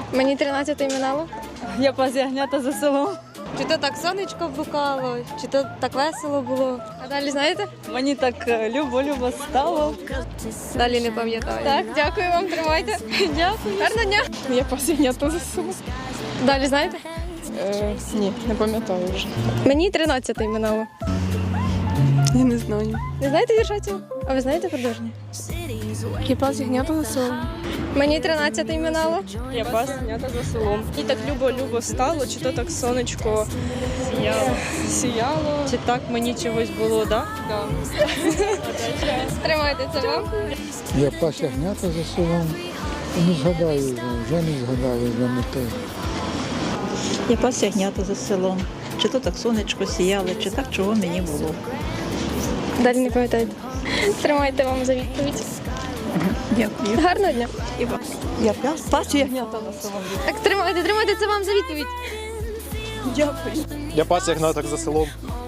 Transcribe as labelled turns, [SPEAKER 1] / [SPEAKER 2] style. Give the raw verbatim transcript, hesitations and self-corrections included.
[SPEAKER 1] Мені тринадцятий минало.
[SPEAKER 2] Я пас ягнята за селом.
[SPEAKER 3] Чи то так сонечко блукало, чи то так весело було.
[SPEAKER 1] А далі знаєте?
[SPEAKER 2] Мені так любо-любо стало.
[SPEAKER 3] Далі не пам'ятаю.
[SPEAKER 1] Так, дякую вам, тримайте. Дякую. Гарного дня.
[SPEAKER 4] Я пас ягнята за селом.
[SPEAKER 1] Далі знаєте?
[SPEAKER 4] Е, ні, не пам'ятаю вже.
[SPEAKER 1] Мені тринадцятий минало.
[SPEAKER 4] Я не знаю.
[SPEAKER 1] Не знаєте вірша цього? А ви знаєте продовження?
[SPEAKER 4] Я пас ягнята за селом.
[SPEAKER 1] Мені тринадцятий минало.
[SPEAKER 4] Я пас ягнята за селом. І так любо-любо стало, чи то так сонечко сіяло. Сіяло.
[SPEAKER 2] Чи так мені чогось було, так?
[SPEAKER 4] Да.
[SPEAKER 1] Тримайте це вам.
[SPEAKER 5] Я пас ягнята за селом. Не згадаю вже, вже не згадаю, вже не те.
[SPEAKER 6] Я пас ягнята за селом. Чи то так сонечко сіяло, чи так чого мені було.
[SPEAKER 1] Далі не пам'ятаєте. Тримайте вам за відповідь.
[SPEAKER 6] Дякую.
[SPEAKER 1] Гарного дня.
[SPEAKER 6] І вам.
[SPEAKER 2] Я пас, пас ягнята за селом.
[SPEAKER 1] Так, тримайте, тримайте це вам за відповідь.
[SPEAKER 2] Дякую.
[SPEAKER 7] Я пас ягняток за селом.